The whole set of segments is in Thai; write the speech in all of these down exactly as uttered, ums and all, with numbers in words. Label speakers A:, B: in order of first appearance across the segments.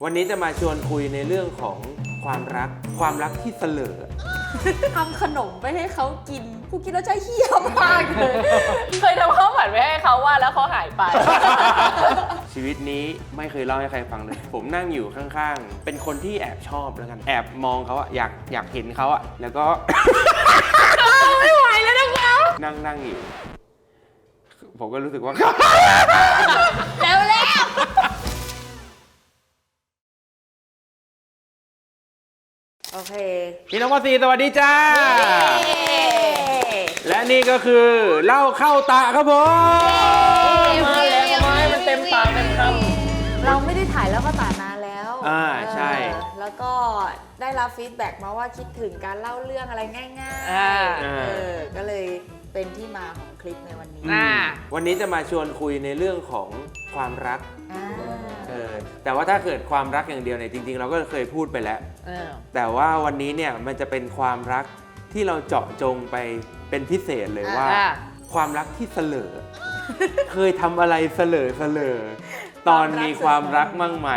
A: วันนี้จะมาชวนคุยในเรื่องของความรักความรักที่เสลอ
B: ทำขนมไปให้เขากินกูกินแล้วใจเหี้ยมากเลย
C: เคยทำข้าวผัดไปให้เขาว่าแล้วเขาหายไป
A: ชีวิตนี้ไม่เคยเล่าให้ใครฟังเลย ผมนั่งอยู่ข้างๆเป็นคนที่แอบชอบแล้วกันแอบมองเขาอะอยากอยากเห็นเขาอะแล้วก็
C: ไม่ไหวแล้วนะคะ
A: นั่งนั่งอยู่ผมก็รู้สึกว่า
B: แล้วแล้ว โอเค
A: พี่น้องวสีสวัสดีจ้า และนี่ก็คือเล่าเข้าตาครับผม
C: มาแล้วไม้มันเต็มปากเต็มค
B: เราไม่ได้ถ่ายแล้วก็ตานานแล้ว
A: อ่าใช่
B: เออแล้วก็ได้รับฟีดแบ็กมาว่าคิดถึงการเล่าเรื่องอะไรง่าย
C: ำอ่า
B: ๆเออก็เลยเป็นที่มาของคลิปในวันนี้
C: อ่า
A: วันนี้จะมาชวนคุยในเรื่องของความรัก
B: อ่า
A: เออแต่ว่าถ้าเกิดความรักอย่างเดียวเนี่ยจริงๆเราก็เคยพูดไปแล้ว
C: เออ
A: แต่ว่าวันนี้เนี่ยมันจะเป็นความรักที่เราเจาะจงไปเป็นพิเศษเลยว่า
C: อ่า
A: ความรักที่เสลอ เคยทำอะไรเสลอเสลอตอนมีความรักมั่งไหม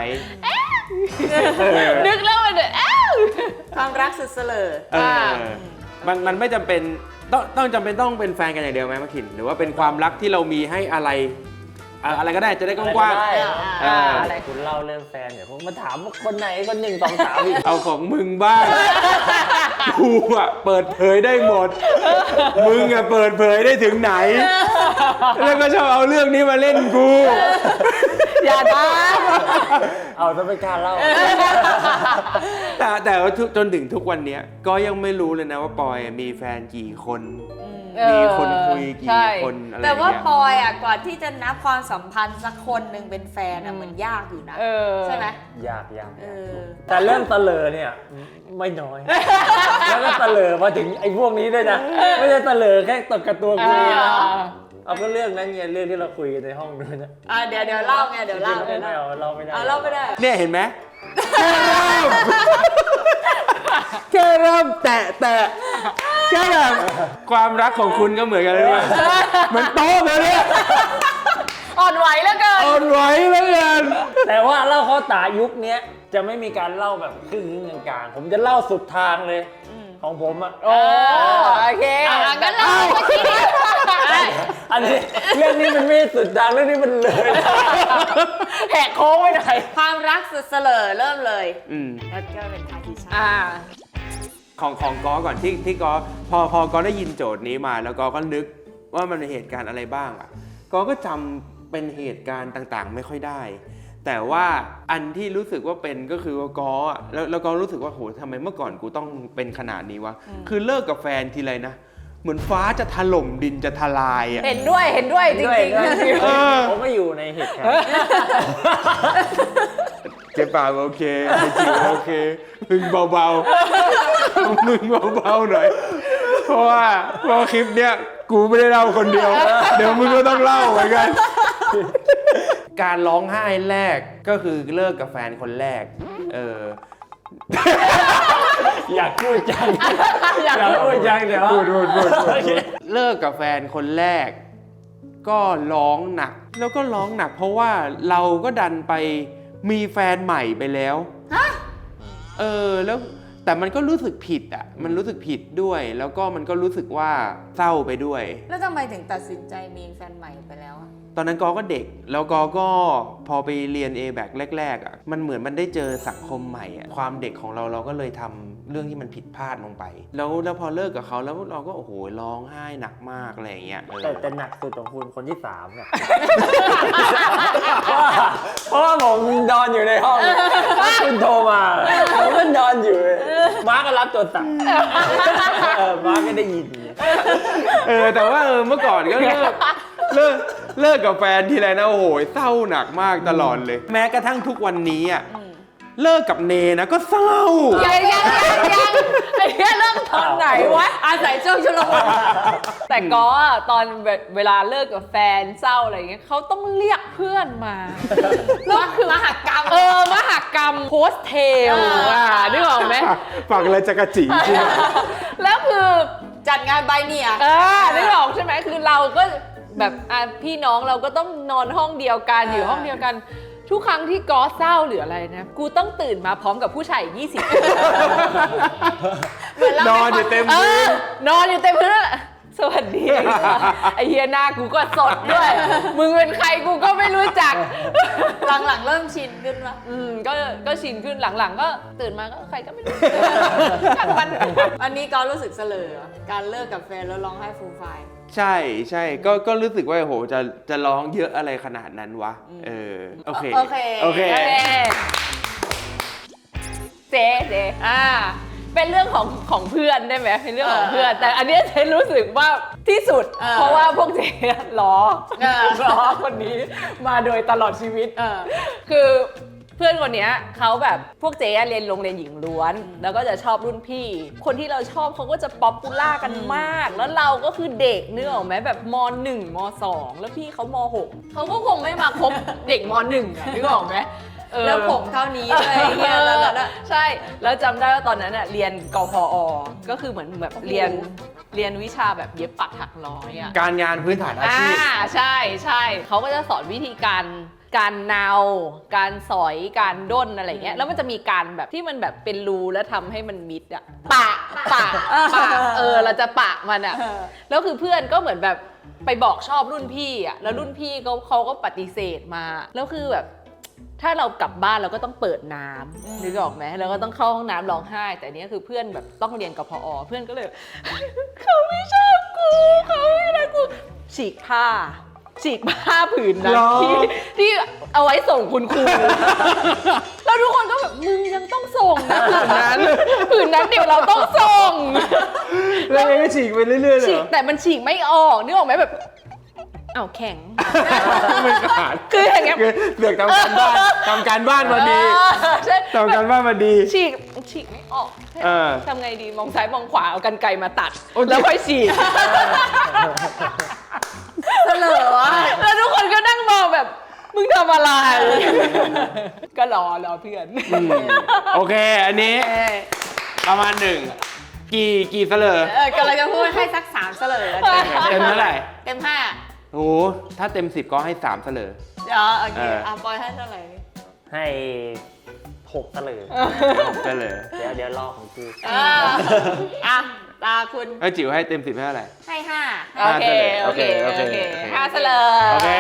C: นึกแล้วมันเดือดอ้าว
B: ความรักสุดเสลอ
A: เออมันมันไม่จำเป็นต้องต้องจำเป็นต้องเป็นแฟนกันอย่างเดียวไหมมะขินหรือว่าเป็นความรักที่เรามีให้อะไรอะอะไรก็ได้จะได้กว้าง
C: ได้
A: ๆเออ
C: อะไรคุณเล่าเรื่องแฟนเดี๋ยวผมมาถามว่าคนไหนคนหนึ่งสองสามอีก
A: เอาของมึงบ้าง กูอะเปิดเผยได้หมด มึงอะเปิดเผยได้ถึงไหน แล้วก็ชอบเอาเรื่องนี้มาเล่นกู
C: อย่าทำเอาจะไม่กล้าเล่า
A: แต่แต่ว่าจนถึงทุกวันนี้ก็ยังไม่รู้เลยนะว่าปอยมีแฟนกี่คน มีคนคุยกี่
C: ใช่
A: คนอะไร
B: แต่ว่า
A: เงี้ย
B: ปอยอ่ะก่อนที่จะนับความสัมพันธ์สักคนหนึ่งเป็นแฟนอ่ะมันยากอยู่นะ
C: เออ
B: ใช่ไหม
D: ยากยาก
B: เออ
D: แต่เรื่องตะเลอเนี่ยไม่น้อย แล้วก็ตะเลอมาถึงไอ้พวกนี้ด้วยนะ ไม่ใช่ตะเลอแค่ตกกระตัวคุยนะเอาก็เรื่องนั้นไงเรื่องที่เราคุยกันในห้องด้วยนะ
B: อ่ะเดี๋ยวเดี๋ยวเล่าไงเดี๋ยวเล่า
D: ไม่
B: เดี๋ยว
D: ได้
B: เล่า
D: เอาเราไม่ได้
B: เอาเล่าไม่ได้
A: เนี่ยเห็นไหมแค่เริ่มแตะแตะแค่แบบความรักของคุณก็เหมือนกันเลยว่าเหมือนโต๊ะเลยเนี่ย
C: อ่อนไหวแล้วเกิน
A: อ่อนไหวแล้วกัน
D: แต่ว่าเล่าเขาตายุคเนี้ยจะไม่มีการเล่าแบบครึ่งกลางๆผมจะเล่าสุดทางเลยของผมอ่ะ
C: โอ้โอเคอ่ะงั้นเราเมื่อกี้นี้
D: อันนี้เรื่องนี้มันไม่สุดทางเรื่องนี้มันเลย
C: แหกโค้งไว้หน่อย
B: ความรักสุดเสลอเริ่มเลย
A: อืม
B: แล้วก็เป็นทางที่ใช่
C: อ่า
A: ของของกอก่อนที่ที่กอพอพอกอได้ยินโจทย์นี้มาแล้วกอก็นึกว่ามันเป็นเหตุการณ์อะไรบ้างอ่ะกอก็จำเป็นเหตุการณ์ต่างๆ ไม่ค่อยได้ แต่ว่าอันที่รู้สึกว่าเป็นก็คือว่ากออ่ะแล้วแล้วกอรู้สึกว่าโหทำไมเมื่อก่อนกูต้องเป็นขนาดนี้วะคือเลิกกับแฟนทีไรนะเหมือนฟ้าจะถล่มดินจะทลายอ่ะ
C: เห็นด้วยเห็นด้วยจ
D: ด้วย
C: ริง
D: ด้วย
A: เออ
D: ผมก็อยู่ในเหตุการณ์
A: เจ็บปากโอเคไม่จริงโอเคมึงเบาๆมึงเบาๆหน่อยเพราะว่าเพราะคลิปเนี้ยกูไม่ได้เล่าคนเดียว เดี๋ยวมึงก็ต้องเล่าเหมือนกัน การร้องไห้แรกก็คือเลิกกับแฟนคนแรกเออ
D: อยากพูดจังอยากพูดจังเดี๋ยว
A: พูดพูดพูดพูดเลิกกับแฟนคนแรก ก็ร้องหนัก แล้วก็ร้องหนัก เพราะว่าเราก็ดันไปมีแฟนใหม่ไปแล้วเออแล้วแต่มันก็รู้สึกผิดอ่ะมันรู้สึกผิดด้วย แล้วก็มันก็รู้สึกว่าเศร้าไปด้วย
B: แล้วทำไมถึงตัดสินใจมีแฟนใหม่ไปแล้วอะ
A: ตอนนั้นกอก็เด็ก แล้วกอก็พอไปเรียน เอ แบค แรกๆอ่ะมันเหมือนมันได้เจอสังคมใหม่อ่ะความเด็กของเราเราก็เลยทำเรื่องที่มันผิดพลาดลงไป แล้วแล้วพอเลิกกับเขาแล้วเราก็โอ้โหร้องไห้หนักมากอะไรอย่างเงี้ยเออ
D: แต่แต่หนักสุดของคุณคนที่สามเนี่ย เพราะว่าผมนอนอยู่ในห้องคุณโทรมาผมก็นอนอยู่มาร์กก็รับโทรศัพท์เออมาร์กก็ได้ยิน
A: เออแต่ว่าเออเมื่อก่อนก็เลิกเลิกเลิกกับแฟนทีไรนะโอ้โหเศร้าหนักมากตลอดเลย แม้กระทั่งทุกวันนี้อ่ะเลิกกับเนนะก็เศร้า
C: ยังยังยังยังไอ้เนี่ยเริ่มตอนไหนวะ
B: อาศัยช่วงชุลมุน
C: แต่ก็ตอนเวลาเลิกกับแฟนเศร้าอะไรเงี้ยเขาต้องเรียกเพื่อนมาแล้วคือมหกรรมเออมหกรรมโพสเทลอ่ะนึกออกไหม
A: ฝักอะไรจะกระจีจริง
C: แล้วคือ
B: จัดงานใบเนี่ย
C: เออนึกออกใช่ไหมคือเราก็แบบอ่ะพี่น้องเราก็ต้องนอนห้องเดียวกันอยู่ห้องเดียวกันทุกครั้งที่กอเศร้าหรืออะไรนะกูต้องตื่นมาพร้อมกับผู้ชายอีกยี่สิบคน
B: เหมือนเรา
A: นอนอยู่เต็ม
C: เอ
A: พื้
C: อน นอนอยู่เต็มพื้นอะสวัสดีไอเฮียหน้ากูก็สดด้วย มึงเป็นใครกูก็ไม่รู้จัก
B: หลังๆเริ่มชินขึ้นปะ
C: อืมก็ก็ชินขึ้นหลังๆ ก็ตื่นมาก็ใครก็ไม่รู้ช่างมัน
B: อันนี้ก็รู้สึกเสลอการเลิกกับแฟนแล้วร้องไห้ฟูมไฟาย
A: ใช่ใช่ก็ก็รู้สึกว่าโหจะจะร้องเยอะอะไรขนาดนั้นวะเออโอเค
B: โอเค
A: โอเค
C: โอเคเจ๊เจ๊อ่า เป็นเรื่องของของเพื่อนได้ไหมเป็นเรื่องของเพื่อน แต่อันเนี้ยเจ๊รู้สึกว่าที่สุด
B: เออ
C: เพราะว่าพวกเจ๊ล้อ
B: เออ
C: ล้อคนนี้มาโดยตลอดชีวิต
B: เออ
C: คือเพื่อนคนเนี้ยเขาแบบพวกเจ๊อะเรียนโรงเรียนหญิงล้วน แล้วก็จะชอบรุ่นพี่ คนที่เราชอบเขาก็จะป๊อปปูล่ากันมาก แล้วเราก็คือเด็กนึกออกไหมแบบมหนึ่งมสองแล้วพี่เขามหกเขาก็คงไม่มาคบเด็กมหนึ่งอะนึกออกไหมเออ
B: แล้วผมเท่านี้เลยเฮียแล้วนั่นอะ
C: ใช่ แล้วจำได้ว่าตอนนั้นน่ะเรียนกพอ ก็คือเหมือนแบบเรียนเรียนวิชาแบบเย็บปักถักร้อยอ่ะ
A: การงานพื้นฐานอา
C: อ่า
A: ชีพ
C: ใช่ใช่เขาก็จะสอนวิธีการการเนา การสอยการด้นอะไรเงี้ยแล้วมันจะมีการแบบที่มันแบบเป็นรูแล้วทำให้มันมิดอ่ะปะปะปะเออเราจะปะมันอ่ะ
B: เออ
C: แล้วคือเพื่อนก็เหมือนแบบไปบอกชอบรุ่นพี่อ่ะแล้วรุ่นพี่เขาเขาก็ปฏิเสธมาแล้วคือแบบถ้าเรากลับบ้านเราก็ต้องเปิดน้ำนึกออกไหมเราก็ต้องเข้าห้องน้ำร้องไห้ แต่เนี้ยคือเพื่อนแบบต้องเรียนกพอเพื่อนก็เลย เขาไม่ชอบกูเขาไม่รักกูฉีกผ้า ฉีกผ้าผืนนั้น
A: หรอ
C: ที่ที่เอาไว้ส่งคุณครู แล้วทุกคนก็แบบมึงยังต้องส่งนะผืนนั้นผืนนั้นเดี๋ยวเราต้องส่ง
A: แล้วมันก็ฉีกไปเรื่อยๆเลย
C: ฉี
A: เห
C: ก
A: รอ
C: แต่มันฉีกไม่ออกนึกออกไหมแบบอ้าวแข็ง
A: มันขาด
C: คืออย่างเงี้ย
A: เสือกทำการบ้านทำการบ้านมาดี
C: เออใช่
A: ทำการบ้านมาดี
C: ฉีกฉีกไม่ออก
A: เออ
C: ทำไงดีมองซ้ายมองขวาเอากันไกรมาตัด
A: โอเค
C: แล้วค่อยฉีก
B: เสลอวะ
C: แล้วทุกคนก็นั่งมองแบบมึงทำอะไร ก็รอรอเพื่อน
A: อืมโอเค อันนี้ประมาณหนึ่งกี่กี่เสลอ
B: เออกำลังจะพูดให้สักสามเสลอ
A: เต็มเท่าไหร่
B: เต็มห้า
A: โอ้ถ้าเต็มสิบก็ให้สามเสลอ
B: เดี๋ยวโอเค
A: เอออ่
B: อ่ะปอยให้เท่าไหร่
D: ให้หกตะเลย
A: เสลอ
D: เดี๋ยวเดี๋ยวรอของกู
B: อ่าอ่ะตาคุณ
A: เอ้ยจิ๋วให้เต็มสิบให้เท่าไหร่
B: ให้ห้า
C: โอเค โอเค โอเค
A: โอเค
C: ห้าเสลอ
A: โอเค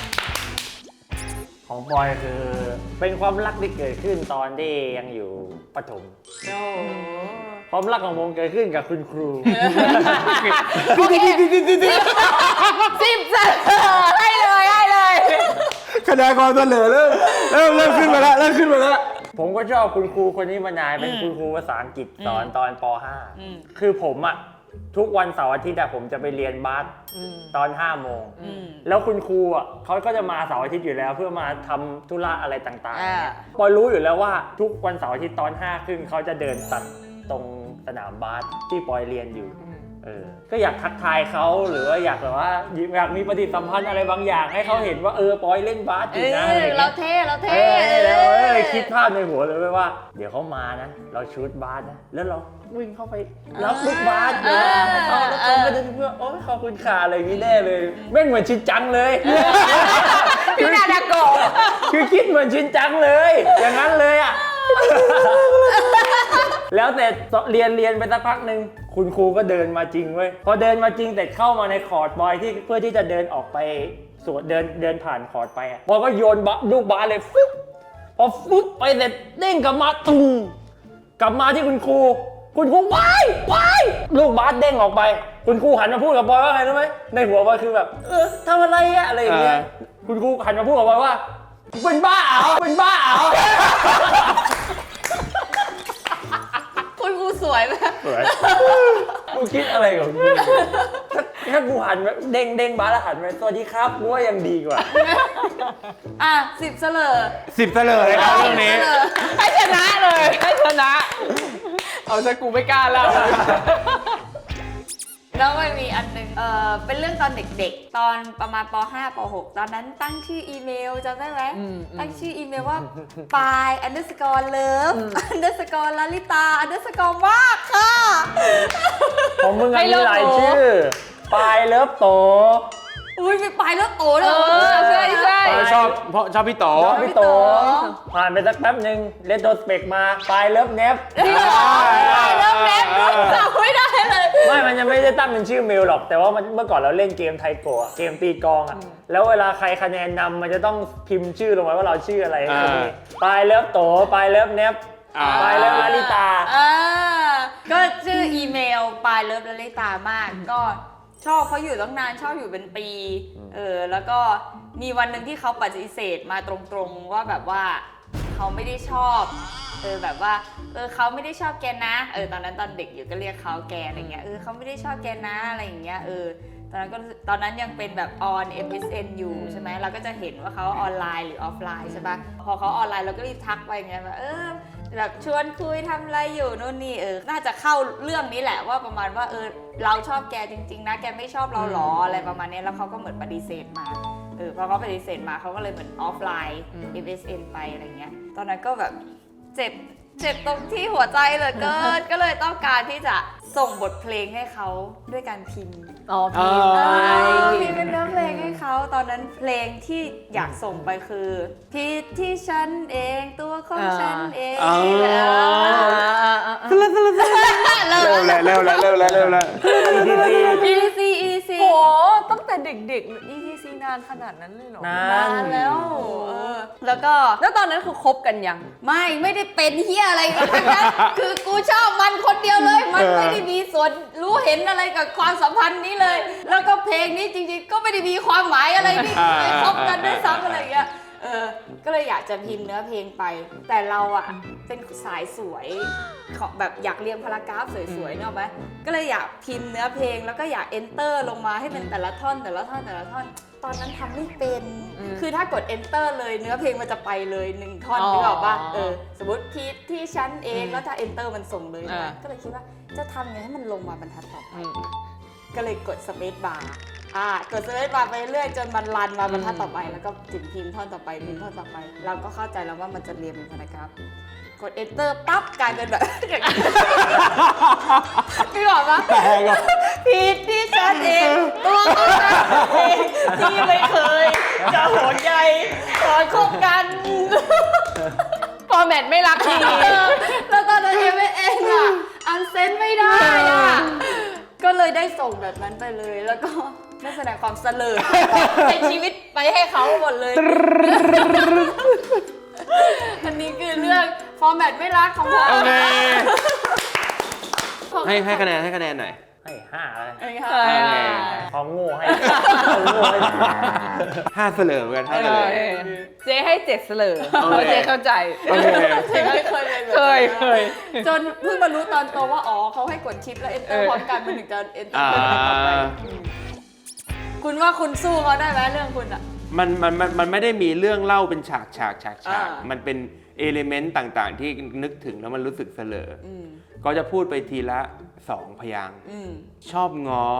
D: ของบอยคือ เป็นความรักที่เกิดขึ้นตอนที่ยังอยู่ประถม
B: โอ้โห
D: ความรักของผมเกิดขึ้นกับคุณครู
C: โอเคสิบเสลอให้เลยให้เลย
A: คะแนนความเสลอเริ่มเริ่มเริ่มขึ้นมาแล้วเริ่มขึ้นมาแล้ว
D: ผมก็ชอบคุณครูคนนี้มานานเป็นคุณครูภาษาอังกฤษสอนตอนป .ห้า
B: อืม
D: คือผมอะทุกวันเสาร์อาทิตย์อะผมจะไปเรียนบาส
C: อืม
D: ตอนห้าโมง
B: อืม
D: แล้วคุณครูอ่ะเขาก็จะมาเสาร์อาทิตย์อยู่แล้ว เพื่อมาทำธุระอะไรต่างๆ
B: อ่า
D: เนี่ยปอยรู้อยู่แล้วว่าทุกวันเสาร์อาทิตย์ตอนห้าครึ่งเขาจะเดินตัดตรงสนามบาสที่ปอยเรียนอยู่เออก็อยากทักทายเขาหรือว่าอยากแบบว่าอยากมีปฏิสัมพันธ์อะไรบางอย่าง ให้เขาเห็นว่าเออปอยเล่นบาสอ
B: เอยู่
D: นะ
B: อ
D: อะไรอย่าง
B: เรา
D: เงี้ย
B: เท่เรา
D: เอ
B: เท่
D: อแล้วเออคิดภาพในหัวเลยเว้ยว่า เดี๋ยวเขามานะ เราชูดบาสนะแล้วเราวิ่งเข้าไปรับลูกบาสเดี๋ยวเขาแล้วเขาก็จะเพื่อโอ้ยขอบคุณค่ะอะไรอย่างนี้แน่เลยแม่งเหมือนชินจังเลย
C: พี่นาดาโกะ
D: คือคิดเหมือนชินจังเลย อย่างนั้นเลยอ่ะ แล้วแต่เรียนเรียนไปสักพักหนึ่งคุณครูก็เดินมาจริงเว้ยพอเดินมาจริงแต่เข้ามาในคอร์ดบอยที่เพื่อที่จะเดินออกไปสวนเดินเดินผ่านคอร์ดไปอ่ะบอยก็โยนบะลูกบาสเลยฟึ๊บพอฟึ๊บไปเสร็จเด้งกลับมาตุ้มกลับมาที่คุณครูคุณครูว้ายว้ายลูกบาสเด้งออกไป คุณครูหันมาพูดกับบอยว่าไงรู้ไหมในหัวบอยคือแบบเออทำอะไรอะอะไรอย่างเงี้ย
A: เออ
D: คุณครูหันมาพูดกับบอยว่าเป็นบ้าเหรอเป็นบ้าเหรอ
B: คุณครูสวยไหม
D: สวยกูคิดอะไรของกูถ้าถ้ากูหันไปเด้งเด้งบาสแล้วหันไปสวัสดีครับกูว่ายังดีกว่า
B: อ่ะสิบเสลอ
A: สิบเสลอเลยครับเรื่องนี้
B: เสลอ
C: ให้ชนะเลยให้ชนะ เอาซะกูไม่กล้าแล้ว
B: แล้วมันมีอันหนึงเออเป็นเรื่องตอนเด็กๆ ตอนประมาณป .ห้า ป .หก ตอนนั้นตั้งชื่ออีเมลจำได้ไหม
C: อืมอืม
B: ตั้งชื่ออีเมลว่า ปาย underscore love underscore ลลิตา underscore มากค่ะ
D: ของมึงอะ
C: ให้
D: มี
C: เลิก
D: หลาย
C: โต
D: ชื่อ ปายเลิฟโต
B: อุ้ยไปไปแล้วโตเล
C: เอย อใช่ใช่
A: ชอบเพราะชอบพี่โต
D: ชอบพี่โตผ่านไปสักแป๊บหนึ่งเลโทสเปกมาปลายเลิฟเนฟ
C: พี่หรอเริ่มแนบด้วยจำไม่ได้เลย
D: ไม่มันยังไม่ได้ตั้งเป็นชื่อเมลหรอกแต่ว่ามันเมื่อก่อนเราเล่นเกมไทโกะเกมตีกลองอ่ะแล้วเวลาใครคะแนนนำมันจะต้องพิมพ์ชื่อลงไว้ว่าเราชื่ออะไร
A: อ่า
D: ปลายเลิฟโตปลายเลิฟเนฟ
A: อ่า
D: ปลายเลิฟลาลิตา
B: อ่าก็ชื่ออีเมลปลายเลิฟลลิตามาก ก็ชอบเขาอยู่ตั้งนานชอบอยู่เป็นปีเออแล้วก็มีวันหนึ่งที่เขาปฏิเสธมาตรงๆว่าแบบว่าเขาไม่ได้ชอบเออแบบว่าเออเขาไม่ได้ชอบแกนะเออตอนนั้นตอนเด็กอยู่ก็เรียกเขาแกอะไรเงี้ยเออเขาไม่ได้ชอบแกนะอะไรอย่างเงี้ยเออตอนนั้นก็ตอนนั้นยังเป็นแบบออน เอ็ม เอส เอ็น อยู่ใช่ไหมเราก็จะเห็นว่าเขาออนไลน์หรือออฟไลน์ใช่ปะพอเขาออนไลน์เราก็รีบทักไปไงแบบเออแบบชวนคุยทำอะไรอยู่นู่นนี่เออน่าจะเข้าเรื่องนี้แหละว่าประมาณว่าเออเราชอบแกจริงๆนะแกไม่ชอบเราหรออะไรประมาณนี้แล้วเขาก็เหมือนปฏิเสธมาเออพอเขาปฏิเสธมาเขาก็เลยเหมือนออฟไลน์ เอ็ม เอส เอ็น ไปอะไรเงี้ยตอนนั้นก็แบบเจ็บเจ็บตรงที่หัวใจเหลือเกิน ก็เลยต้องการที่จะส่งบทเพลงให้เขาด้วยการพิมพ์
C: อ๋อพิมพ์
A: อ๋
B: เอ
C: ไป
B: อพิมพ์เป็นเนื้อเพลงให้เขาตอนนั้นเพลงที่อยากส่งไปคือผิดที่ฉันเองตัวของฉันเอง
A: อ๋อ
B: เออ
A: เร็วแล้วเร็วแล้วเร็วแล้วเร็วแล้ว
B: อี ซี อี ซี
C: โหตั้งแต่เด็กๆ อี ที ซี นานขนาดนั้นเลยเหรอ
D: นาน
B: นานแล้วเออแล้วก็
C: แล้วตอนนั้นคือคบกันยัง
B: ไม่ไม่ได้เป็นเฮียอะไรกันทั้งนั้น คือกูชอบมันคนเดียวเลย มัน
A: เออ
B: ไม่ได้มีส่วนรู้เห็นอะไรกับความสัมพันธ์นี้เลย แล้วก็เพลงนี้จริงๆ ก็ไม่ได้มีความหมายอะไรที่ไปคบกันด้วยซ้ำอะไรอย่างเงี้ยเออก็เลยอยากจะพิมพ์เนื้อเพลงไป แต่เราอะเป็นสายสวยของแบบอยากเรียงพารากราฟสวยๆเนกอะไหมก็เลยอยากพิมพ์เนื้อเพลงแล้วก็อยาก enter ลงมาให้เป็นแต่ละท่อนแต่ละท่อนแต่ละท่อน ตอนนั้นทำไม่เป็น
C: อืม
B: คือถ้ากด enter เลยเนื้อเพลงมันจะไปเลยหนึ่งท่อน
C: อ๋อ
B: นึกออกป่ะเออสมมติพีทที่ฉันเอง
C: อืม
B: แล้วถ้า enter มันส่งเลย
C: อ่า
B: ก็เลยคิดว่าจะทำไงให้มันลงมาบรรทัดต่อไป
C: อืม
B: ก็เลยกด space bar อ่ากด space bar ไปเรื่อยจนมันรันมาบรรทัดต่อไป แล้วก็ถึงพิมพ์ท่อนต่อไปพิมพ์ท่อนต่อไป เราก็เข้าใจแล้วว่ามันจะเรียงเป็นพารากราฟกด enter ปั๊บกลายเป็นแบบ อย่างนี้นึกออกปะผิดที่ฉันเองตัวของฉันเองที่ไม่เคยจะห่วงใยตอนคบกัน
C: ฟอร์แมตไม่รักที
B: แล้วตอนนั้นเอ็มเองอ่ะอันเซนไม่ได้อ่ะก็เลยได้ส่งแบบนั้นไปเลย แล้วก็ได้แสดงความเสลอในชีวิตไปให้เขาหมดเลย อันนี้คือเรื่องฟอร์แมตไม่รักของผม
A: โอเคให้ให้คะแนนให้คะแนนหน่อย
D: ให้ห้าเลย
B: เอ้ยค่ะ
C: เออ
A: โอเค
D: ของโง่ให้ของโง่ให้
A: ห้าเสลอเหมือนกันห้าเสลอ
C: เจ๊ให้เจ็ดเสลอ
A: โอเค
C: เพราะเจ๊เข้าใจ
A: โอเค
B: ไม่เคยเลยแบบ
C: เคย
B: นั้น
C: เคย
B: จนเพิ่งมารู้ตอนโตว่าอ๋อเขาให้กดชิปแล้วเอนเตอ
C: เอ
B: ร์
C: อ
B: พร้อมกันมันถึงจะเอนเตอ
A: อ่า
B: ร์ต่อไปอืมคุณว่าคุณสู้เขาได้ไหมเรื่องคุณอ่ะ
A: มันมันมันมันไม่ได้มีเรื่องเล่าเป็นฉากฉากฉากฉาก
B: อ่ามั
A: มันเป็นเอลิเมนต์ต่างๆ ที่นึกถึงแล้วมันรู้สึกเสลอ
B: อืม
A: ก็จะพูดไปทีละสองพยางค์
B: อืม
A: ชอบงอ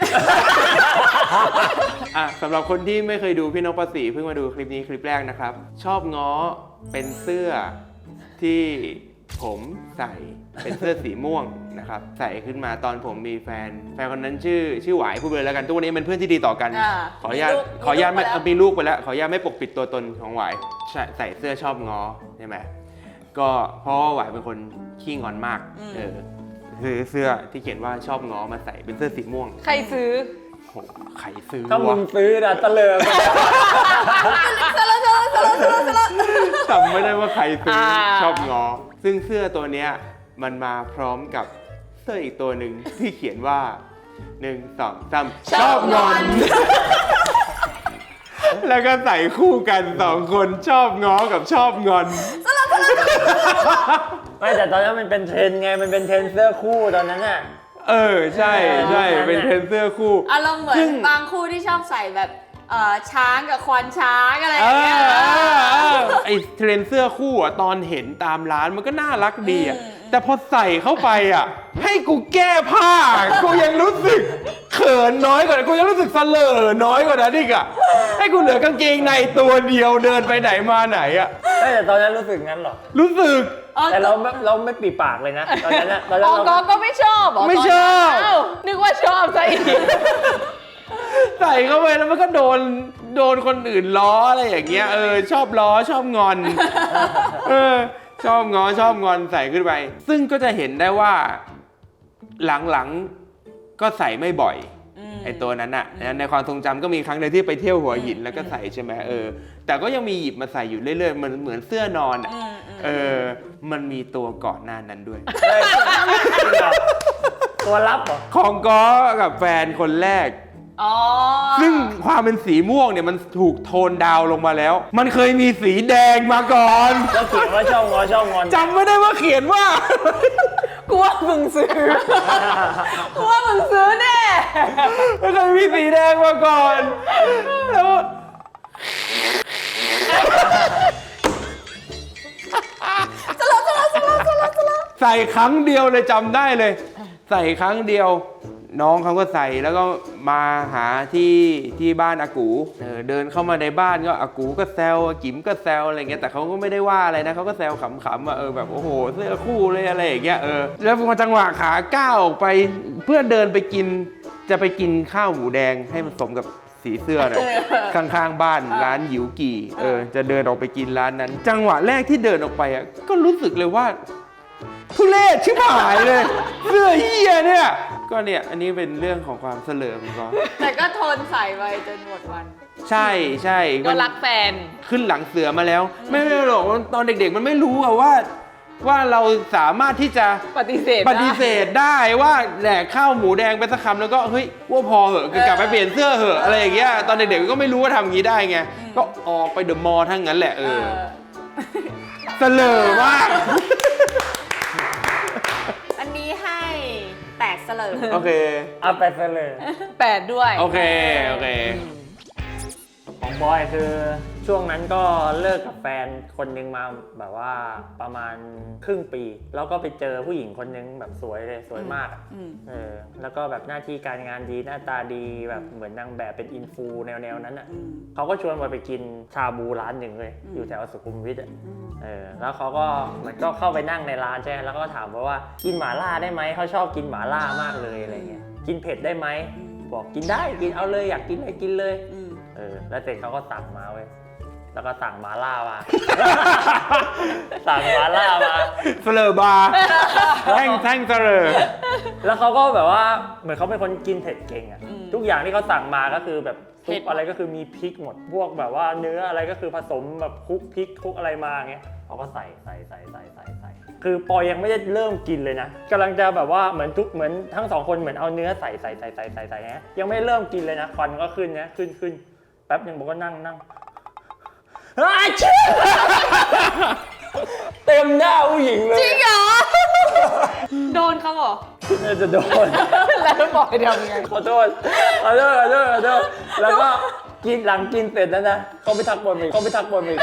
A: อ่ะสำหรับคนที่ไม่เคยดูพี่นกประสีเพิ่งมาดูคลิปนี้คลิปแรกนะครับ ชอบง้อเป็นเสื้อที่ผมใส่เป็นเสื้อสีม่วงนะครับ ใส่ขึ้นมาตอนผมมีแฟน แฟนคนนั้นชื่อชื่อหวายพูดไปเลยแล้วกันทุกวันนี้เป็นเพื่อนที่ดีต่อกัน
B: อ่า
A: ขออนุญาต
B: มีลูก
A: ขออนุญาตไม่
B: มีลูกไปแล้ว
A: เอ่อมีลูกไปแล้ว ขออนุญาตไม่ปกปิดตัวตนของหวายใส่ใส่เสื้อชอบง้อใช่ไหมก็เพราะว่าหวายเป็นคนขี้งอนมากเออคือเสื้อที่เขียนว่าชอบง้อมาใส่เป็นเสื้อสีม่วง
C: ใครซื้อ
A: โหใครซื้อ
D: ถ้ามึ
A: วะ
D: งซื้อนะตะเลิง
A: จำไม่ได้ว่าใครซื้อ
C: อ่า
A: ชอบง้อซึ่งเสื้อตัวเนี้ยมันมาพร้อมกับเสื้ออีกตัวหนึ่งที่เขียนว่าหนึ่งสองสามชอบงอน แล้วก็ใส่คู่กันสองคนชอบง้อกับชอบงอน
D: ไม่แต่ตอนนั้นมันเป็นเทรนด์ไงมันเป็นเทรนด์เสื้อคู่ตอนนั้นน่ะ
A: เออใช่ใช่เป็นเทรนด์เสื้อคู่
B: อารมณ์เหมือ
A: ซึ่
B: น
A: ง
B: บางคู่ที่ชอบใส่แบบเอ่อช้างกับควานช้างอะไรอ
A: เอย่าง
B: เงี้ย
A: อไอเทรนด์เสื้อคู่อ่ะตอนเห็นตามร้านมันก็น่ารักดีอ่ะ
B: อืม
A: แต่พอใส่เข้าไปอ่ะ ให้กูแก้ผ้า กูยังรู้สึกเขินน้อยกว่ากูยังรู้สึกเสลอน้อยกว่านั้นอีกอ่ะให้กูเหลือกางเกงในตัวเดียวเดินไปไหนมาไหนอ่ะ
D: ไม่แต่ตอนนั้นรู้สึกงั้นเหรอ
A: รู้สึก
B: อ๋อ
D: แต่เราไม่เราไม่ปีปากเลยนะตอนนั้นน่ะตอนนั้
C: อ๋
D: น
C: อ
D: เรา
C: ก็ก็ไม่ชอบเหรอ
A: ไม่ชอบ
C: ตนนั้นอ้าวนึกว่าชอบซะอีก
A: ใส่เข้าไปแล้วมันก็โดนโดนคนอื่นล้ออะไรอย่างเงี้ยเออชอบล้อชอบงอนเออชอบงอชอบงอนใส่ขึ้นไป ซึ่งก็จะเห็นได้ว่าหลังๆก็ใส่ไม่บ่อยไอตัวนั้นอะในความทรงจำก็มีครั้งหนึงที่ไปเที่ยวหัวหินแล้วก็ใส่ใช่ไหมเออแต่ก็ยังมีหยิบมาใส่อยู่เรื่อยๆเหมือนเหมือนเสื้อนอนอะเออมันมีตัวก่อนหน้านั้นด้วย
D: ตัวลับเหรอ
A: ของก้อกับแฟนคนแรก
B: อ๋อ
A: ซึ่งความเป็นสีม่วงเนี่ยมันถูกโทนดาวน์ลงมาแล้ว มันเคยมีสีแดงมาก่อน
D: แล้วเขียนว่าชอบงอชอบงอน
A: จำไม่ได้ว่าเขียนว่า
C: กูว่ามึงซื้อ กูว่ามึงซื้อแน่
A: มันเคยมีสีแดงมาก่อนแล้วใส่ครั้งเดียวเลยจำได้เลย ใส่ครั้งเดียว น้องเขาก็ใส่แล้วก็มาหาที่ที่บ้านอากูเออเดินเข้ามาในบ้านก็อากูก็แซวอากิ๋มก็แซวอะไรเงี้ยแต่เขาก็ไม่ได้ว่าอะไรนะเขาก็แซวขำๆอ่ะเออแบบโอ้โหเสื้อคู่เลยอะไรอย่างเงี้ยเออแล้วพอจังหวะขาก้าวออกไปเพื่อเดินไปกินจะไปกินข้าวหมูแดงให้มันสมกับสีเสื้อหน่อยข้างๆบ้านร้านหยิวกี่เออจะเดินออกไปกินร้านนั้น จังหวะแรกที่เดินออกไปอ่ะก็รู้สึกเลยว่าทุเรศชิบหายเลยเสื้อเหี้ยเนี่ยก็เนี่ยอันนี้เป็นเรื่องของความเสลิมก็
B: แต่ก็ทนใส่ไปจนหมดวัน
A: ใช่ใช่
C: ก็รักแฟน
A: ขึ้นหลังเสือมาแล้ว ไม่ไม่หรอกตอนเด็กๆมันไม่รู้อะว่า ว่าเราสามารถที่จะ
C: ปฏิเสธ
A: ปฏิเสธได้ว่าแหลกข้าวหมูแดงไปสักคำแล้วก็เฮ้ยว่าพอเหอะกลับไปเปลี่ยนเสื้อเหอะอะไรอย่างเงี้ยตอนเด็กๆก็ไม่รู้ว่าทำอย่างนี้ได้ไงก็ออกไปเดอะมอลล์ทั้งนั้นแหละเออเสลอมาก
B: อันนี้ให้แตกเสลิม
A: โอเค
D: เอาไปซะเลย
C: แปดด้วย
A: โอเคโอเค
D: ของบอยคือช่วงนั้นก็เลิกกับแฟนคนนึงมาแบบว่าประมาณครึ่งปี แล้วก็ไปเจอผู้หญิงคนนึงแบบสวยเลยสวยมากอะ
B: อืม
D: เออแล้วก็แบบหน้าที่การงานดีหน้าตาดีแบบเหมือนนางแบบเป็นอินฟูแนวๆนั้นอ่ะ
B: อืม
D: เขาก็ชวนบอยไปกินชาบูร้านหนึ่งเลย
B: อืม
D: อยู่แถวสุขุมวิทอ่ะเออแล้วเขาก็เหมือนก็เข้าไปนั่งในร้านใช่ไหมแล้วก็ถามว่าว่ากินหม่าล่าได้ไหมเขาชอบกินหม่าล่ามากเลยอะไรเงี้ยกินเผ็ดได้ไหมบอกกินได้กินเอาเลยอยากกินอะไรกินเลย
B: อืม
D: เออแล้วเสร็จเขาก็สั่งมาเว้ยแล้วก็สั่งหมาล่ามา สั่งหมาล่ามา
A: เสลอบาร์แท่งแท่งเสลอ
D: แล้วเขาก็แบบว่าเหมือนเขาเป็นคนกินเผ็ดเก่งอะ
B: อืม
D: ทุกอย่างที่เขาสั่งมาก็คือแบบ
B: เผ็
D: ซุ
B: ด
D: ปอะไรก็คือมีพริกหมดพวกแบบว่าเนื้ออะไรก็คือผสมแบบคลุกพริกคลุกอะไรมาอย่างเงี้ยเขาก็ใส่ใส่ใส่ใส่ใส่ใส่คือปอยยังไม่ได้เริ่มกินเลยนะกำลังจะแบบว่าเหมือนทุกเหมือนทั้งสองคนเหมือนเอาเนื้อใส่ใส่ใส่ใส่ใส่ใส่เนี้ยยังไม่เริ่มกินเลยนะควันก็ขึ้นนะขึ้นขึ้นแป๊บหนึ่งบอกก็นั่งนั่งอ้าวชิบเต็มหน้าผู้หญิงเลย
B: จริงเหรอ โดนเขาเหรอ
D: น่าจะโดน
C: แล้วบอยทำไง
D: ขอโทษขอโทษขอโทษขอโทษแล้วก็กินหลังกินเสร็จแล้วนะเขาไปทักบนอีกเขาไปทักบนอีก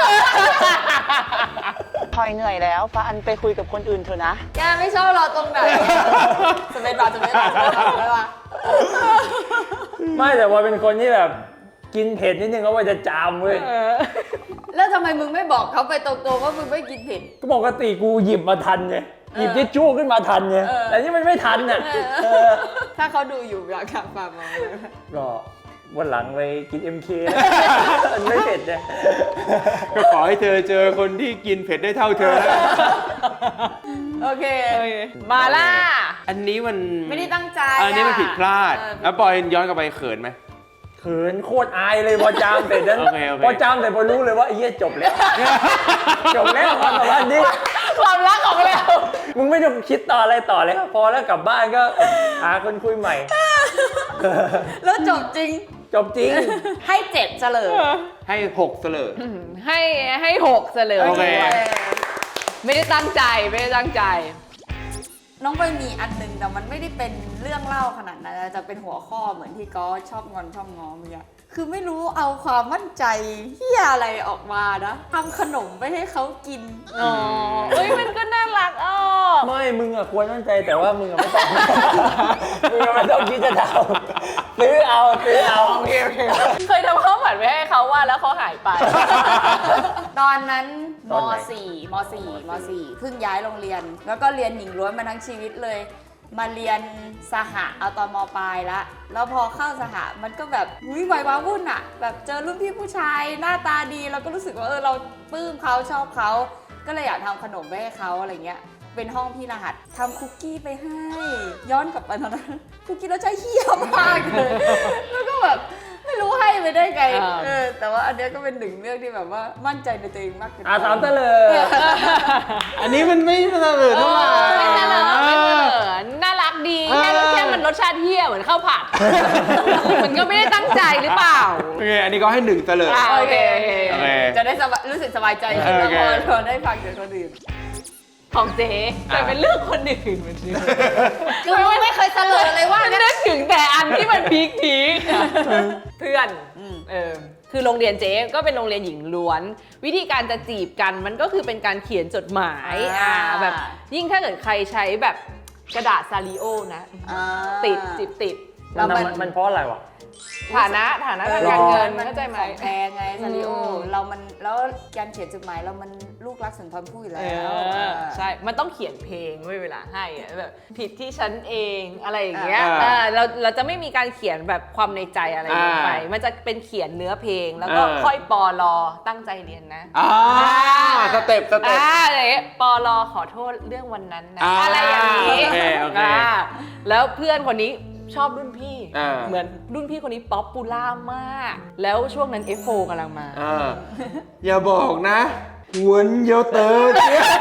E: พลอยเหนื่อยแล้วฟ้าอันไปคุยกับคนอื่นเถอะนะ
B: แกไม่ชอบเราตรงไหนสเปนบาร์สเปนบาร์สเปนบาร์สเปนบาร์
D: ไม่แต่ว่าเป็นคนที่แบบกินเผ็ดนิดนึงก็ว่าจะจามเว้ย
B: แล้วทำไมมึงไม่บอกเขาไปตรงๆว่ามึงไม่กินเผ็ด
D: ก็ปกติกูหยิบมาทันไงหยิบทิชชู่ขึ้นมาทันไง
B: เออ
D: แต่นี่มันไม่ทันน่ะ
B: เออ
D: เออ
B: ถ้าเขาดูอยู่อยากกลับมาบอก
D: ก็วันหลังไปกิน เอ็ม เค มันไม่เผ็ดเนี่ย
A: ก็ขอให้เธอเจอคนที่กินเผ็ดได้เท่าเธอแล้ว
B: โอเค
C: มาล่า
A: อันนี้มัน
B: ไม่ได้ตั้งใจ
A: อันนี้มันผิดพลาด
B: เออ
A: แล้วปอยย้อนกลับไปเขินไหม
D: เขินโคตรอายเลยพอจามเสร็จนั้น
A: โอเคโอเค
D: พอจามเสร็จพอรู้เลยว่าไอ้เหี้ยจบแล้ว จบแล้วความสัมพันธ์นี้
C: ความรักของเรา
D: มึงไม่ต้องคิดต่ออะไรต่อเลยพอแล้วกลับบ้านก็หาคนคุยใหม่
B: แล้วจบจริง
D: จบจริง
B: ให้เจ็ดเฉลย
A: ให้หกเสลอ
C: ให้ให้หกเสลย
A: โอเค
C: ไม่ได้ตั้งใจไม่ได้ตั้งใจ
B: น้องไปมีอันหนึงแต่มันไม่ได้เป็นเรื่องเล่าขนาดนั้นจะเป็นหัวข้อเหมือนที่ก็ชอบงอนชอบง้อเมื่อกี้คือไม่รู้เอาความมั่นใจเฮียอะไรออกมานะทำขนมไปให้เขากิน
C: อ๋อเอ้ยมันก็น่ารักอ้อ
D: ไม่ มึงอะควรมั่นใจแต่ว่ามึงอะไม่ต้อง มึงอะไม่ต้องคิดจะทำซื้อเอาซื้อเอา
C: โอเคโอเคเคยทำข้าวผัดไว้ให้เขาว่าแล้วเขาหายไป
B: ตอนนั้นม
D: ตอนไหน
B: สี่มสี่มสี่เพิ่งย้ายโรงเรียน แล้วก็เรียนหญิงล้วนมาทั้งชีวิตเลยมาเรียนสหะเอาตอนมปลายละแล้วพอเข้าสหะมันก็แบบหุ้ยวัยว้าวุ่นอะแบบเจอรุ่นพี่ผู้ชายหน้าตาดีเราก็รู้สึกว่าเออเราปลื้มเขาชอบเขาก็เลยอยากทำขนมไปให้เขาอะไรเงี้ยเป็นห้องพี่รหัสทำคุกกี้ไปให้ย้อนกลับไปตอนนั้นคุกกี้แล้วใจเหี้ยมากเลยแล้วก็แบบไม่รู้ให้ไปได้ไง
C: อ่า
B: เออแต่ว่าอันเนี้ยก็เป็นหนึ่งเรื่องที่แบบว่ามั่นใจในตัวเองมากเกินไป
D: อาสามเตลอ
A: อันนี้มันไม่เสนอเท่าไหร่
C: ไม่เสนอไม่เสนอน่ารักดี
A: เออ
C: แค่แค่มันรสชาติเฮี้ยเหมือนข้าวผัด มันก็ไม่ได้ตั้งใจหรือเปล่า
A: โอเคอันนี้ก็ให้หนึ่งเสลอ
C: อ่ะ
B: โอเคโอเค
A: โอเค
B: จะได้สบายรู้สึกสบายใจขึ้นแล้ว
A: โอเค
B: พอพอได้ฟังจากคนอื่น
C: ของเจ๊แต่เป็นเรื่องคนอื่นเหมือนเดิม
B: คือไม่เคยเสลอเลยว่า
C: มันนึกถึงแต่อันที่มันพีคพีคเพื่อน
B: อืม
C: เออคือโรงเรียนเจ๊ก็เป็นโรงเรียนหญิงล้วน วิธีการจะจีบกันมันก็คือเป็นการเขียนจดหมายอ่าแบบ ยิ่งถ้าเกิดใครใช้แบบกระดาษซาริโอนะ
B: อ่า
C: ติดจิบติด
D: ๆ
B: แล้วมัน
D: มันมันเพราะอะไรวะ
C: ฐานะฐานะทางการเงินเข้าใจไหม
B: ของแพงไงซาริโอ
C: อืม
B: เรามันแล้วการเขียนจดหมายเรามันลูกรักสุนทรภู่อยู่
C: เอ
B: แล้ว
C: อใช่ มันต้องเขียนเพลงไว้เวลาให้อะแบบผิดที่ฉันเองอะไรอย่างเงี้ย
A: อ่า
C: เออเราเราจะไม่มีการเขียนแบบความในใจอะไรลงไป
A: อ่ามั
C: มันจะเป็นเขียนเนื้อเพลงแล้วก็
A: อ่า
C: ค่อยปอลอตั้งใจเรียนนะ
A: อ่าสเต็ปสเต็ป
C: อ่าอะไรอย่างเงี้ยปอลอขอโทษเรื่องวันนั้นนะ
A: อ่า
C: อะไรอย่างนี้
A: โอเคโอเค
C: อ่าแล้วเพื่อนคนนี้ชอบรุ่นพี่
A: อ่า
C: เหมือนรุ่นพี่คนนี้ป๊อปปูล่ามาก แล้วช่วงนั้น เอฟ โฟร์ กำลังมา
A: อ่าอย่าบอกนะหวนเยาเตอร์เจี๊ยบ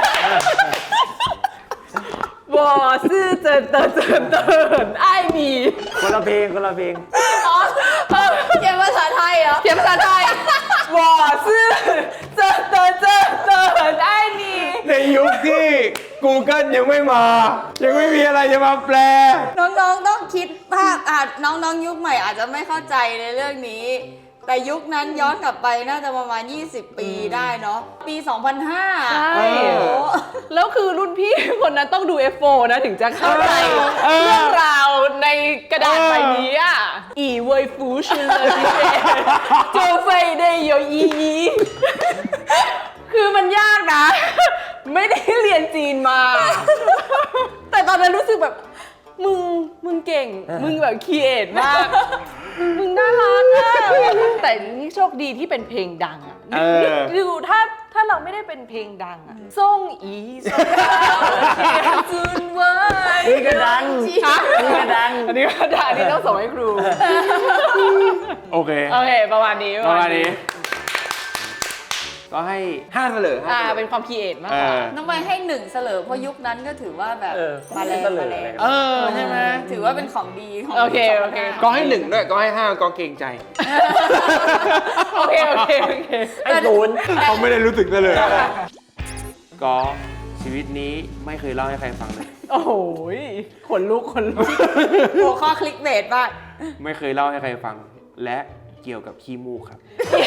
C: วอซื่อเจินเตินเจินเตินไอ้มี
D: คนละเพลงคนละเพลง
B: เขียนภาษาไทยเหรอ
C: เขียนภาษาไทย วอซื่อเจินเตินเจินเตินไอ้มี
A: ในยุคที่ Google ยังไม่มา ยังไม่มีอะไรจะมาแปล
B: น้องๆต้องคิดภาพอาจน้องๆยุคใหม่อาจจะไม่เข้าใจในเรื่องนี้ แต่ยุคนั้นย้อนกลับไปน่าจะประมาณ ยี่สิบ ปีได้เนาะปี สองพันห้า
C: ใช่
A: เออ
C: แล้วคือรุ่นพี่คนนั้นต้องดู เอฟ โฟร์ นะถึงจะเข้าใจ
A: เออ
C: เรื่องราวในกระดาษใบนี้อ่ะ อีเวยฟูชิเลยพี่เอโจเฟยได้โยอียีคือมันยากนะ ไม่ได้เรียนจีนมา แต่ตอนนั้นรู้สึกแบบ มึง มึงเก่ง มึงแบบครีเอทมาก มึงน่ารักอะแต่นี่โชคดีที่เป็นเพลงดังอะ
A: เออ
C: ดูถ้าถ้าเราไม่ได้เป็นเพลงดังอะส่งอีส่งเขียนจุนไว้
D: นี่ก็ดัง
C: ฮะ
D: นี่ก็ดัง
C: อันนี้ก็ดังอันนี้ต้องส่งให้ครู
A: โอเค
C: โอเค ประมาณนี้
A: ประมาณนี้ ก็ให้ห้าเสลอห้า
C: อ่า
A: เสลอ
C: เป็นความครีเอทมาก
A: เอก
C: ว่า
A: อ
B: น้องใบให้หนึ่งเสลอเพราะยุคนั้นก็ถือว่าแบบ
D: เออ
B: มาแรง
D: เสลอ
B: มาแรง
D: เลย
A: เออใช่ไหม
B: ถือว่าเป็นของดีของ
C: โอเคโอเค
A: ก็ให้หนึ่งด้วย ก็ให้ห้าก็เกรงใจ
C: โอเค โอเค โอเค
D: ไอ้ศูนย์
A: เขาไม่ได้รู้สึกเลย ก็ชีวิตนี้ไม่เคยเล่าให้ใครฟังเลย
C: โอ้โหขนลุกขนลุก
B: หัวข้อคลิกเบสมาก
A: ไม่เคยเล่าให้ใครฟัง และเกี่ยวกับขี้มูกครับ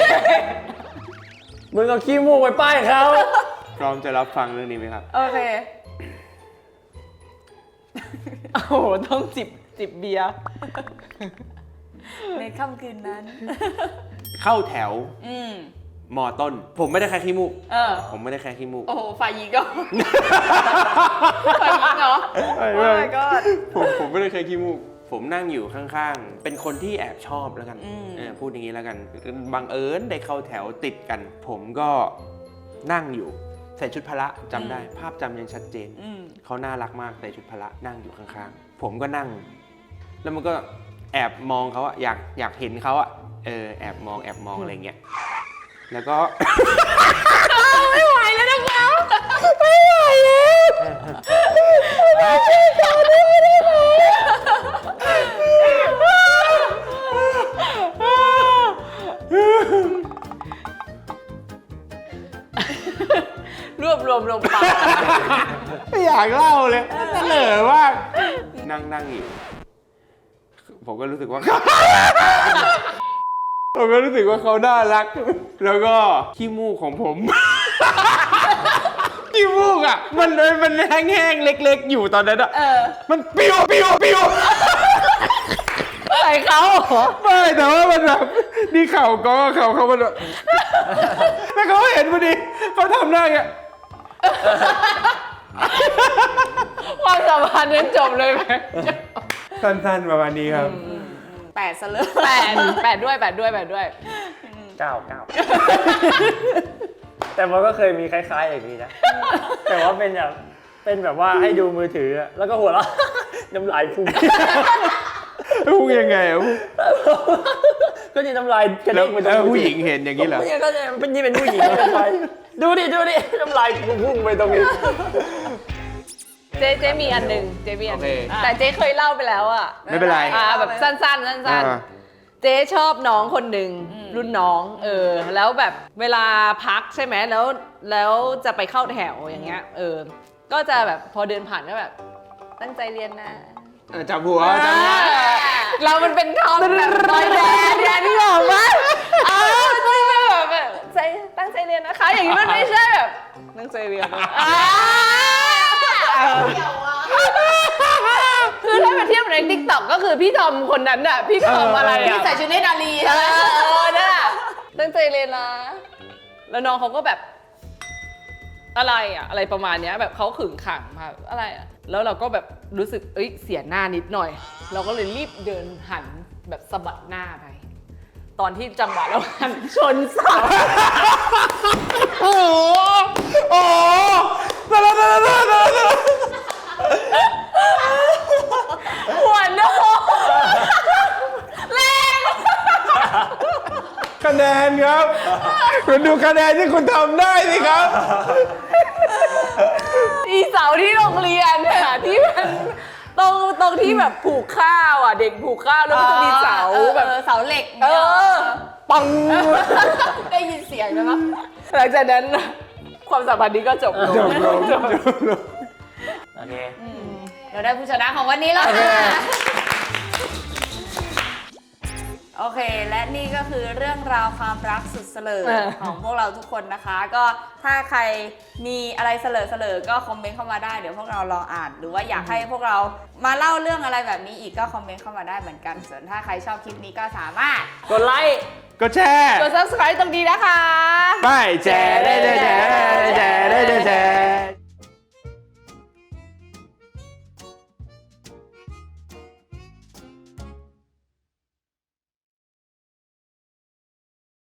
D: มึงเอาขี้มูกไปป้ายเขา
A: พร้อมจะรับฟังเรื่องนี้ไหมครับ
B: โอเค
C: โอ้โห ต้องจิบจิบเบียร์
B: ในค่ำคืนนั้น
A: เข้าแถว
B: อืม
A: มอต้น ผมไม่ได้แค่ขี้มูก
B: เออ
A: ผมไม่ได้แค่ขี้มูก
B: โอ้โหฝ่ายหญิงก็ ฝ่ายหญิงเหรอ
A: ไม่
B: โอ้
A: ไม่
B: my god
A: ผมผมไม่ได้เคยขี้มูก ผมนั่งอยู่ข้างๆ เป็นคนที่แอบชอบแล้วกัน
B: อืม
A: เออพูดอย่างนี้แล้วกัน บังเอิญได้เข้าแถวติดกัน ผมก็นั่งอยู่ ใส่ชุดพละจำได้ ภาพจำยังชัดเจน
B: อืม
A: เขาน่ารักมากใส่ชุดพละนั่งอยู่ข้างๆ ผมก็นั่ง แล้วมันก็แอบมองเขาอะอยากอยากเห็นเขาอะเออแอบมองแอบมองอะไรเงี้ย แล้วก็
C: ไม่ไหวแล้วนะคะไม่ไหวแล้วช่วยเขาด้วยได้ไหมรวบรวมลงไป
A: ไม่อยากเล่าเลยเสนอว่านั่งนั่งอยู่ ผมก็รู้สึกว่า ผมก็รู้สึกว่าเขาน่ารัก แล้วก็ขี้มูกของผม ขี้มูกอ่ะ มันมันแห้งๆเล็กๆอยู่ตอนนั้นอ่ะ
B: เออ
A: มันปิ้วปิ้วปิ้ว
C: ใส่เขาเหรอ
A: ไม่แต่ว่ามันแบบนี่เข่าก็เข่าเขามันแบบแล้วเขาเห็นพอดีเขาทำหน้าอย่างเงี้ย
C: ความสัมพันธ์พันยังจบเลยไหม
A: สั้นๆประมาณนี้ครับ
B: แปดซะเลย
C: แปดแปดด้วยแปดด้วยแปดด้วย
D: เก้าเก้า แต่มันก็เคยมีคล้ายๆอย่างนี้นะ แต่ว่าเป็นแบบเป็นแบบว่าให้ดูมือถืออะแล้วก็หัวเราะ น้ำลายพุ่ง
A: พูดยังไงอ่ะ
D: ก็นี่น้ำลายกระ
A: แล้
D: เด้
A: ว
D: งไปตรง
A: แล้ว
D: มือ
A: ผู้
D: ถือ
A: หญิงเห็นอย่างนี้เหรอ
D: ผู้หญิงก็จะเป็นนี่เป็นผู้หญิงเป็นไปดูดิดูดิน้ำลายพุ่งไปตรงนี้
C: เจ๊เจ๊มีอันหนึ่งเจ๊มีอันหนึ่ง
A: โอเค
C: แต่เจ๊เคยเล่าไปแล้วอ่ะ
A: ไม่เป็นไร
C: อ่าแบบสั้นๆสั้น
A: อ่า
C: ๆเจ๊ชอบน้องคนหนึ่งรุ่นน้องเออแล้วแบบเวลาพักใช่ไหมแล้วแล้วจะไปเข้าแถวอย่างเงี้ยเออก็จะแบบพอเดินผ่านก็แบบตั้งใจเรียนนะ
A: เออจับหัวจับหัว
C: เรามันเป็นทอมแบบบอยแบนด์เนี่ยนี่หรอวะเออใช่แบบแบบใจตั้งใจเรียนนะคะ อย่างนี้มันไม่ใช่แบบตั้งใจเรียนนะอ่าคือถ้าไปเทียบในทิกตอกก็คือพี่ทอมคนนั้นน่ะพี่ทอมอะไรอ่ะ
B: ที่ใส่ชุดเนตรนารี
C: เออเออน่ะตั้งใจเรียนนะแล้วน้องเขาก็แบบอะไรอ่ะอะไรประมาณเนี้ยแบบเขาขึงขังมาอะไรอ่ะแล้วเราก็แบบรู้สึกเอ้ยเสียหน้านิดหน่อย เราก็เลยรีบเดินหันแบบสะบัดหน้าไป ตอนที่จังหวะเราหันชนเสา
A: โอ้โหโอ้โหตะละตะละตะละตะละ
C: หัวโนแรง
A: คะแนนครับคุณดูคะแนนที่คุณทำได้สิครับ
C: อีเสาที่โรงเรียนอะที่มันตรงตรงที่แบบผูกข้าวอ่ะเด็กผูกข้าวแล้วก็จะมีเสาแบบ
B: เออเสาเหล็ก
C: เออปัง
B: ได้ยินเสียงไหมวะ
C: หลังจากนั้นความสัมพันธ์นี้ก็จบลง
A: จบลงจบลง
D: โอเค
B: เราได้ผู้ชนะของวันนี้แล้วค่ะ โอเค และนี่ก็คือเรื่องราวความรักสุดเสลอ
C: เออ
B: ของพวกเราทุกคนนะคะ ก็ถ้าใครมีอะไรเสลอเสลอก็คอมเมนต์เข้ามาได้เดี๋ยวพวกเรารออ่าน หรือว่าอยากให้พวกเรามาเล่าเรื่องอะไรแบบนี้อีกก็คอมเมนต์เข้ามาได้เหมือนกัน ส่วนถ้าใครชอบคลิปนี้ก็สามารถ
D: กดไลค์
A: ก็แชร์
C: กด ซับสไครบ์ ตรงนี้นะคะ
A: ไปแชร์ได้แชร์ได้แชร์ได้แชร์